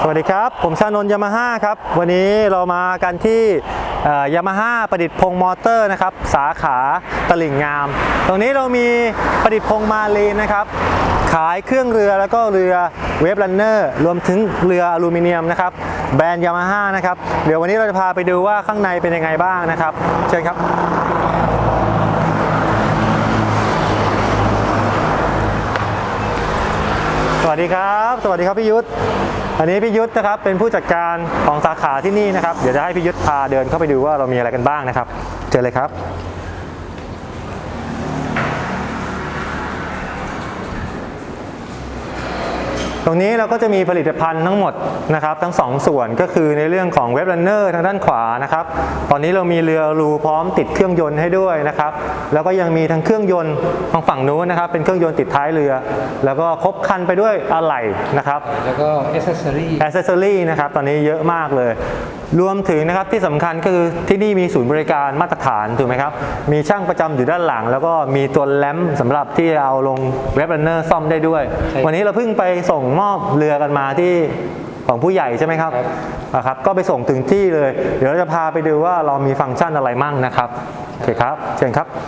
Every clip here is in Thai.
วัสดีครับผมชานนท์ยามาฮ่าครับวันนี้เรามากันที่ยามาฮ่าประดิษฐ์พงษ์มอเตอร์นะครับสาขาตลิ่งงามตรงนี้เรามีประดิษฐ์พงษ์มาลีนนะครับขายเครื่องเรือแล้วก็เรือเวฟรันเนอร์รวมถึงเรืออลูมิเนียมนะครับแบรนด์ยามาฮ่านะครับเดี๋ยววันนี้เราจะพาไปดูว่าข้างในเป็นยังไงบ้างนะครับเชิญครับสวัสดีครับสวัสดีครับพี่ยุทธอันนี้พี่ยุทธนะครับเป็นผู้จัดการของสาขาที่นี่นะครับเดี๋ยวจะให้พี่ยุทธพาเดินเข้าไปดูว่าเรามีอะไรกันบ้างนะครับเจอเลยครับตรงนี้เราก็จะมีผลิตภัณฑ์ทั้งหมดนะครับทั้ง2ส่วนก็คือในเรื่องของเว็บรันเนอร์ทางด้านขวานะครับตอนนี้เรามีเรือรูพร้อมติดเครื่องยนต์ให้ด้วยนะครับแล้วก็ยังมีทั้งเครื่องยนต์ทางฝั่งนู้นนะครับเป็นเครื่องยนต์ติดท้ายเรือแล้วก็ครบครันไปด้วยอะไหล่นะครับแล้วก็แอคเซสซอรี่นะครับตอนนี้เยอะมากเลยรวมถึงนะครับที่สำคัญก็คือที่นี่มีศูนย์บริการมาตรฐานถูกไหมครับมีช่างประจำอยู่ด้านหลังแล้วก็มีตัวแรมสำหรับที่เอาลงเว็บรันเนอร์ซ่อมได้ด้วยวันนี้เราเพิ่งไปส่งมอบเรือกันมาที่ของผู้ใหญ่ใช่ไหมครับครับก็ไปส่งถึงที่เลยเดี๋ยวเราจะพาไปดูว่าเรามีฟังก์ชันอะไรมั่งนะครับโอเคครับเชิญครับ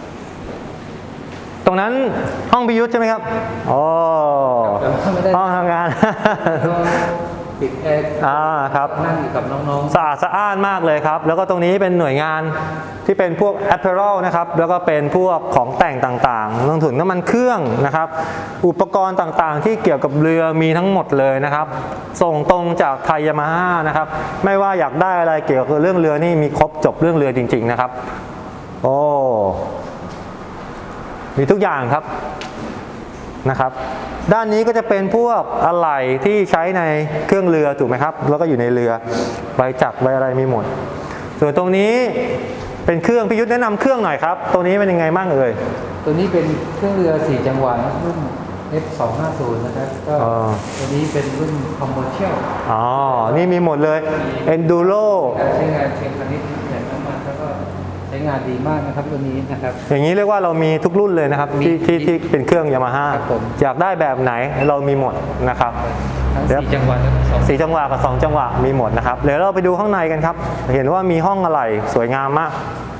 ตรงนั้นห้องพิยุทธใช่ไหมครับโอ้ห้องทำงานปิดแอร์ครับนั่งอยู่กับน้องๆสะอาดสะอ้านมากเลยครับแล้วก็ตรงนี้เป็นหน่วยงานที่เป็นพวก apparel นะครับแล้วก็เป็นพวกของแต่งต่างๆรวมถึงน้ำมันเครื่องนะครับอุปกรณ์ต่างๆที่เกี่ยวกับเรือมีทั้งหมดเลยนะครับส่งตรงจากไทยยามาฮ่านะครับไม่ว่าอยากได้อะไรเกี่ยวกับเรื่องเรือนี่มีครบจบเรื่องเรือจริงๆนะครับโอ้มีทุกอย่างครับนะครับด้านนี้ก็จะเป็นพวกอะไหล่ที่ใช้ในเครื่องเรือถูกไหมครับแล้วก็อยู่ในเรือใบจักรใบอะไรมีหมดส่วนตรงนี้เป็นเครื่องพิยุทธแนะนำเครื่องหน่อยครับตรงนี้เป็นยังไงบ้างเอ่ยตัวนี้เป็นเครื่องเรือ4จังหวะรุ่น F250 นะครับก็ตัวนี้เป็นรุ่นคอมเมอร์เชียลนี่มีหมดเลย Enduro ใช้งานเชิงพาณิชย์แบบน้ำมันแล้วก็ใช้งานดีมากนะครับตัวนี้นะครับอย่างนี้เรียกว่าเรามีทุกรุ่นเลยนะครับที่เป็นเครื่องยามาฮ่าอยากได้แบบไหนเรามีหมดนะครับทั้ง4จังหวะ 4จังหวะกับ2จังหวะมีหมดนะครับเดี๋ยวเราไปดูข้างในกันครับเห็นว่ามีห้องอะไหล่สวยงามมาก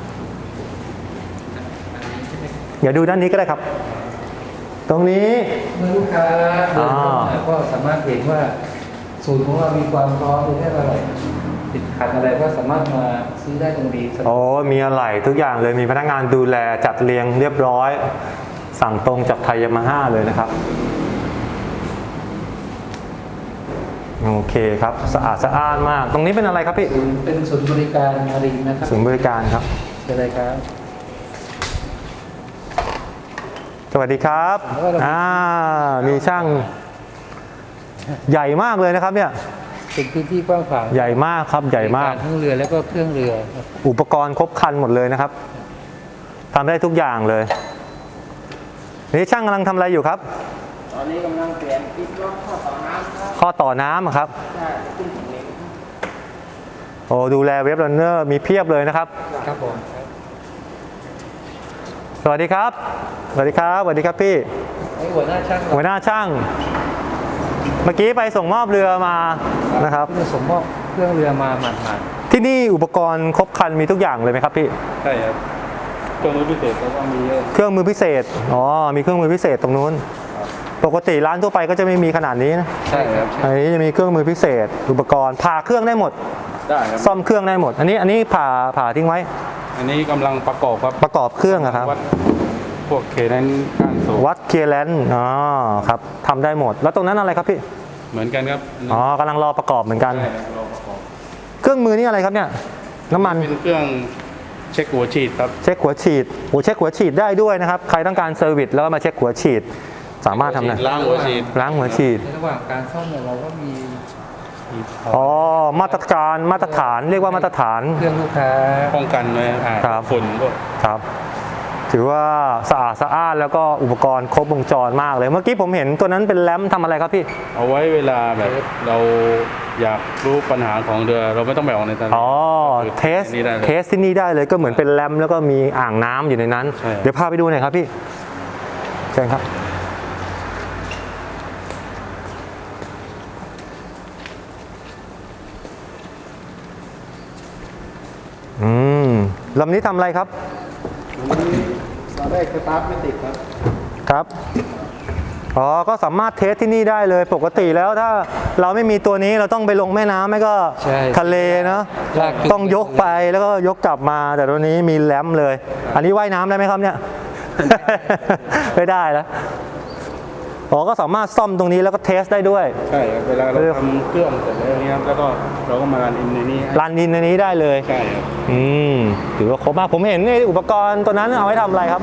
เดี๋ยวดูด้านนี้ก็ได้ครับตรงนี้เมื่อลูกค้าเดินเข้ามาก็สามารถเห็นว่าศูนย์ของเรามีความพร้อมในเรื่องอะไรติดขัดอะไรก็สามารถมาซื้อได้ตรงนี้มีอะไหล่ทุกอย่างเลยมีพนักงานดูแลจัดเรียงเรียบร้อยสั่งตรงจากไทยยามาฮ่าเลยนะครับโอเคครับสะอาดสะอ้านมากตรงนี้เป็นอะไรครับพี่เป็นศูนย์บริการมารีนนะครับศูนย์บริการครับเป็นอะไรครับสวัสดีครับมีช่างใหญ่มากเลยนะครับเนี่ยเป็นพื้นที่กว้างขวางใหญ่มากครับใหญ่มากทั้งเรือแล้วก็เครื่องเรืออุปกรณ์ครบครันหมดเลยนะครับทำได้ทุกอย่างเลยนี่ช่างกำลังทำอะไรอยู่ครับตอนนี้กำลังเปลี่ยนกิ๊กล็อกข้อต่อน้ำครับข้อต่อน้ำครับใช่ขึ้นถึงเล็กดูแลเว็บรันเนอร์มีเพียบเลยนะครับครับผมสวัสดีครับสวัสดีครับสวัสดีครับพี่หัวหน้าช่างเมื่อกี้ไปส่งมอบเรือมานะครับส่งมอบเครื่องเรือมาหมาดที่นี่อุปกรณ์ครบครันมีทุกอย่างเลยไหมครับพี่ใช่ครับเครื่องมือพิเศษแล้วก็มีเครื่องมือพิเศษมีเครื่องมือพิเศษตรงนู้นปกติร้านทั่วไปก็จะไม่มีขนาดนี้นะใช่ครับอันนี้จะมีเครื่องมือพิเศษอุปกรณ์ผ่าเครื่องได้หมดได้ครับซ่อมเครื่องได้หมดอันนี้ผ่าทิ้งไว้อันนี้กำลังประกอบครับประกอบเครื่องครับพวกเคเลนการสูบวัดเคเลนครับทำได้หมดแล้วตรงนั้นอะไรครับพี่เหมือนกันครับกำลังรอประกอบเหมือนกันเครื่องมือนี่อะไรครับเนี่ยน้ำมันเป็นเครื่องเช็คหัวฉีดครับเช็คหัวฉีดเช็คหัวฉีดได้ด้วยนะครับใครต้องการเซอร์วิสแล้วก็มาเช็คหัวฉีดสามารถทำได้ล้างหัวฉีดในระหว่างการซ่อมเนี่ยเราก็มีมาตรฐานเรียกว่ามาตรฐานเครื่องลูกค้าป้องกันไว้ฝุ่นด้วยครับถือว่าสะอาดสะอ้านแล้วก็อุปกรณ์ครบวงจรมากเลยเมื่อกี้ผมเห็นตัวนั้นเป็นแรมทำอะไรครับพี่เอาไว้เวลาแบบเราอยากรู้ปัญหาของเรือเราไม่ต้องไปออกในตลาดเทสที่นี่ได้เลยก็เหมือนเป็นแรมแล้วก็มีอ่างน้ำอยู่ในนั้นเดี๋ยวพาไปดูหน่อยครับพี่เชิญครับลำนี้ทำอะไรครับตอนแรกสตาร์ทไม่ติดครับครับ อ๋อ ก็สามารถเทสที่นี่ได้เลย ปกติแล้วถ้าเราไม่มีตัวนี้เราต้องไปลงแม่น้ำไม่ก็ใช่ทะเลเนาะลากจุดต้องยกไปแล้วก็ยกกลับมา แต่ตัวนี้มีแรมเลย อันนี้ว่ายน้ำได้ไหมครับเนี่ย ไม่ได้แล้ว อ๋อ ก็สามารถซ่อมตรงนี้แล้วก็เทสได้ด้วยใช่ครับเวลาเราทำเครื่องเสร็จแล้วเนี้ยครับแล้วก็เราก็มารันอินในนี้ให้รันดินในนี้ได้เลยใช่ครับถือว่าครบมาก ผมเห็นในอุปกรณ์ตัวนั้นเอาไว้ทำอะไรครับ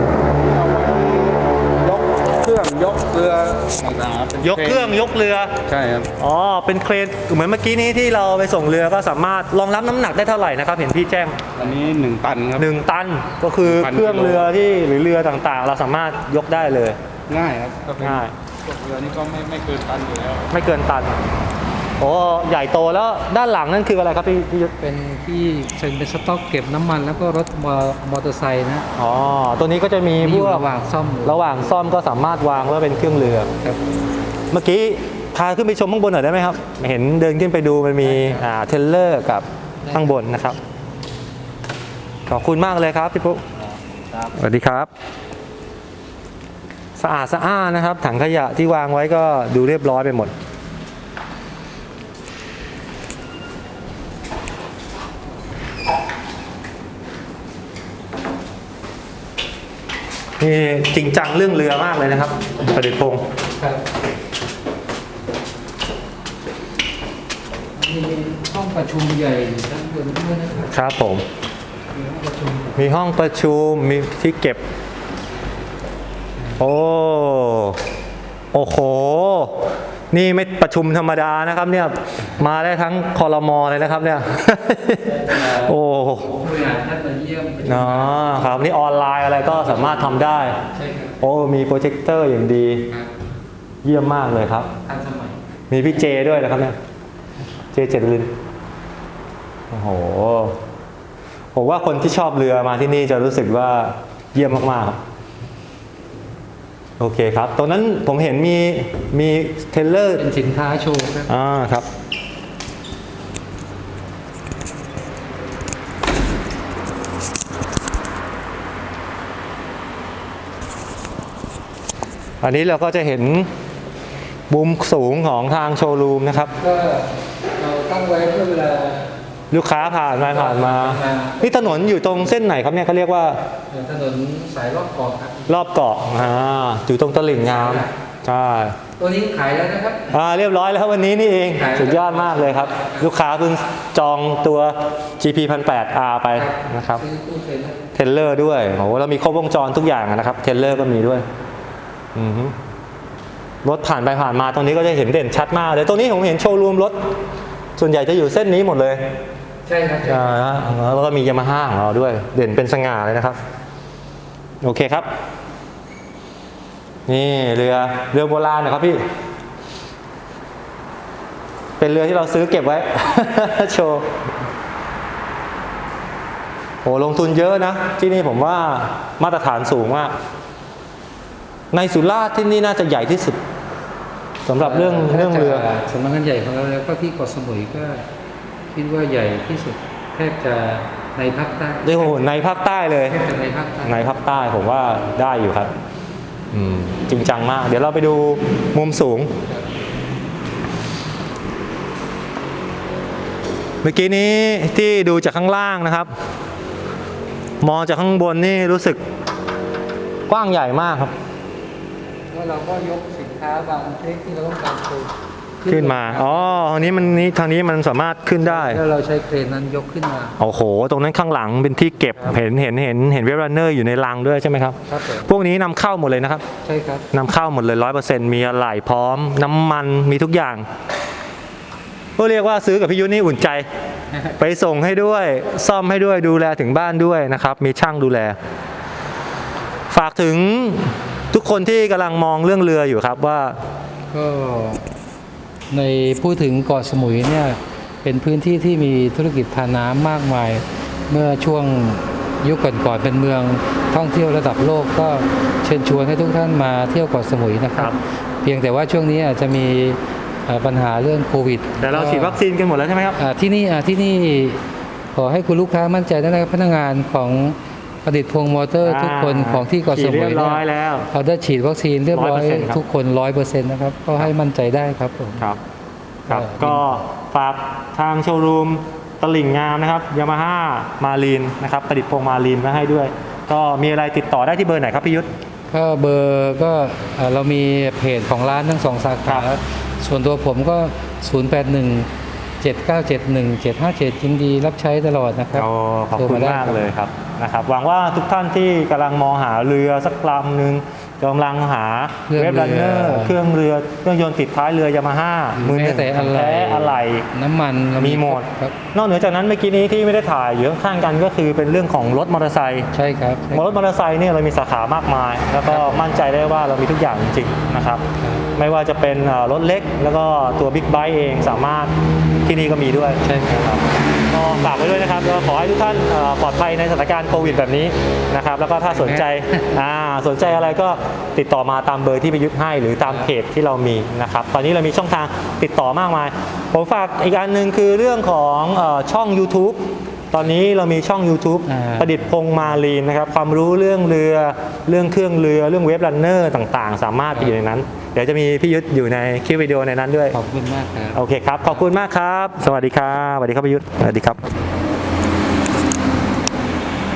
ยกเครื่องยกเรือต่างๆครับป็นยกเครื่องยกเรือใช่ครับอ๋อ เป็นเครนเหมือนเมื่อกี้นี้ที่เราไปส่งเรือก็สามารถรองรับน้ำหนักได้เท่าไหร่นะครับ เห็นพี่แจ้งอันนี้1 ตันครับ 1 ตันก็คือ 1,000 เครื่องเรือที่หรือเรือต่างๆ เราสามารถยกได้เลยง่ายครับก็เป็นง่ายพวกเรือนี่ก็ไม่เกินตันอยู่แล้วไม่เกินตันโอ้ใหญ่โตแล้วด้านหลังนั่นคืออะไรครับพี่ยุทธเป็นที่เป็นสต็อกเก็บน้ำมันแล้วก็รถมอเตอร์ไซค์นะอ๋อตัวนี้ก็จะมีนี่พอยู่วกระหว่างซ่อมอยู่ระหว่างซ่อมก็สามารถวางไว้เป็นเครื่องเรือครับเมื่อกี้พาขึ้นไปชมข้างบนหน่อยได้ไหมครับ เห็นเดินขึ้นไปดูมันมีเทรลเลอร์กับข้างบนนะครับ ขอบคุณมากเลยครับพี่ปุ๊สวัสดีครับ สะอาดสะอ้านนะครับ ถังขยะที่วางไว้ก็ดูเรียบร้อยไปหมด นี่จริงจังเรื่องเรือมากเลยนะครับประเดชพงศ์ครับมีห้องประชุมใหญ่อยู่ด้านบนด้วยนะครับครับผมมีห้องประชุมมีห้องประชุมมีที่เก็บ โอ้โห นี่ไม่ประชุมธรรมดานะครับเนี่ยมาได้ทั้งครม.เลยนะครับเนี่ย โอ้ผู้บริหารท่านมาเยี่ยมเนาะครับนี่ออนไลน์อะไรก็สามารถทำได้ใช่ครับโอ้มีโปรเจคเตอร์อย่างดีครับเยี่ยมมากเลยครับทันสมัยมีพี่เจด้วยนะครับเนี่ยเจเจริญโอ้โหผมว่าคนที่ชอบเรือมาที่นี่จะรู้สึกว่าเยี่ยมมากๆครับโอเคครับตรงนั้นผมเห็นมีเทรลเลอร์เป็นสินค้าโชว์ครับครับ อันนี้เราก็จะเห็นมุมสูงของทางโชว์รูมนะครับก็เราตั้งไว้เพื่อเวลาลูกค้าผ่านมา นี่ถนนอยู่ตรงเส้นไหนครับเนี่ยเขาเรียกว่าถนนสายรอบเกาะครับรอบเกาะอยู่ตรงตลิ่งงามใช่ตัวนี้ขายแล้วนะครับเรียบร้อยแล้ววันนี้นี่เองขายแล้วสุดยอดมากเลยครับ ลูกค้าเพิ่งจองตัว GP 1008R ไปนะครับซื้อตู้เซ็นนะเทรลเลอร์ด้วยโอ้โหเรามีครบวงจรทุกอย่างนะครับเทรลเลอร์ก็มีด้วยอือฮึรถผ่านไปผ่านมาตรงนี้ก็จะเห็นเด่นชัดมากเลยตรงนี้ผมเห็นโชว์รูมรถส่วนใหญ่จะอยู่เส้นนี้หมดเลยใช่ครับใช่แล้วก็มียามาฮ่าของเราด้วย เด่นเป็นสง่าเลยนะครับ โอเคครับ นี่เรือโบราณนะครับพี่ เป็นเรือที่เราซื้อเก็บไว้ โชว์โหลงทุนเยอะนะ ที่นี่ผมว่ามาตรฐานสูงมาก ในสุราษฎร์ที่นี่น่าจะใหญ่ที่สุดสำหรับเรื่องเรือสำนักงานใหญ่ของเราแล้วก็ที่เกาะสมุยก็คิดว่าใหญ่ที่สุดแทบจะในภาคใต้โอ้โหในภาคใต้เลยแทบจะในภาคใต้ในภาคใต้ผมว่าได้อยู่ครับจริงจังมาก เดี๋ยวเราไปดูมุมสูง เมื่อกี้นี้ที่ดูจากข้างล่างนะครับ มองจากข้างบนนี่รู้สึกกว้างใหญ่มากครับแล้วเราก็ยกสินค้าบางชนิดที่เราต้องการโชว์ขึ้นมาทางนี้มันสามารถขึ้นได้แล้วเราใช้เครนนั้นยกขึ้นมาโอ้โห ตรงนั้นข้างหลังเป็นที่เก็บเห็นเวฟรันเนอร์อยู่ในรังด้วยใช่ไหมครับครับผมพวกนี้นำเข้าหมดเลยนะครับใช่ครับนำเข้าหมดเลย 100%มีอะไหล่พร้อม น้ำมันมีทุกอย่าง ก็เรียกว่าซื้อกับพี่ยุทธนี่อุ่นใจ ไปส่งให้ด้วย ซ่อมให้ด้วยดูแลถึงบ้านด้วยนะครับ มีช่างดูแล ฝากถึงทุกคนที่กำลังมองเรื่องเรืออยู่ครับว่าก็ในพูดถึงเกาะสมุยเนี่ยเป็นพื้นที่ที่มีธุรกิจทางน้ำมากมาย เมื่อช่วงยุคก่อนๆเป็นเมืองท่องเที่ยวระดับโลกก็เชิญชวนให้ทุกท่านมาเที่ยวเกาะสมุยนะครับ เพียงแต่ว่าช่วงนี้อาจจะมีปัญหาเรื่องโควิดแต่เราฉีดวัคซีนกันหมดแล้วใช่ไหมครับที่นี่ขอให้คุณลูกค้ามั่นใจนะครับพนักงานของประดิษฐ์พงษ์มอเตอร์ทุกคนของที่เกาะสฉีดมุเรียยบร้อยแล้วเขาได้ฉีดวัคซีนเรียบร้อย 100%ครับทุกคน 100%นะครับก็ให้มั่นใจได้ครับผมครับครับเออก็ฝากทางโชว์รูมตลิ่งงามนะครับยามาฮ่ามารีนนะครับประดิษฐ์พงษ์มารีนมาให้ด้วย ก็มีอะไรติดต่อได้ที่เบอร์ไหนครับพี่ยุทธก็เบอร์ก็เรามีเพจของร้านทั้งสองสาขาครับส่วนตัวผมก็ 081-7971-757 ยินดีรับใช้ตลอดนะครับโอ้ขอบโทรคุณได้มากรับเลยครับนะครับหวังว่าทุกท่านที่กำลังมองหาเรือสักลำหนึ่งกำลังหาเว็บรันเนอร์เครื่องเรือเครื่องยนต์ติดท้ายเรือยามาฮ่ามือหแม้นึ่งแต่อะไรแท้อะไรน้ำมันเรามีหมดครับนอกเหนือจากนั้นเมื่อกี้นี้ที่ไม่ได้ถ่ายอยู่ข้างๆกันก็คือเป็นเรื่องของรถมอเตอร์ไซค์ใช่ครับรถมอเตอร์ไซค์เนี่ยเรามีสาขามากมาย แล้วก็มั่นใจได้ว่าเรามีทุกอย่างจริงๆนะครับ ไม่ว่าจะเป็นรถเล็กแล้วก็ตัวบิ๊กไบค์เองสามารถที่นี่ก็มีด้วยใช่ครับก็ฝากไว้ด้วยนะครับแล้วขอให้ทุกท่านปลอดภัยในสถานการณ์โควิดแบบนี้นะครับแล้วก็ถ้าสนใจสนใจอะไรก็ติดต่อมาตามเบอร์ที่ไปยึดให้หรือตามเพจที่เรามีนะครับตอนนี้เรามีช่องทางติดต่อมากมายผมฝากอีกอันหนึ่งคือเรื่องของช่อง YouTube ตอนนี้เรามีช่อง YouTube ประดิษฐ์พงษ์มารีนนะครับความรู้เรื่องเรือเรื่องเครื่องเรือเรื่องเว็บรันเนอร์ต่างๆ สามารถไปอยู่ในนั้น เดี๋ยวจะมีพี่ยุทธอยู่ในคลิปวิดีโอในนั้นด้วยขอบคุณมากครับโอเคครับ ขอบคุณมากครับ สวัสดีครับ สวัสดีครับพี่ยุทธสวัสดีครับ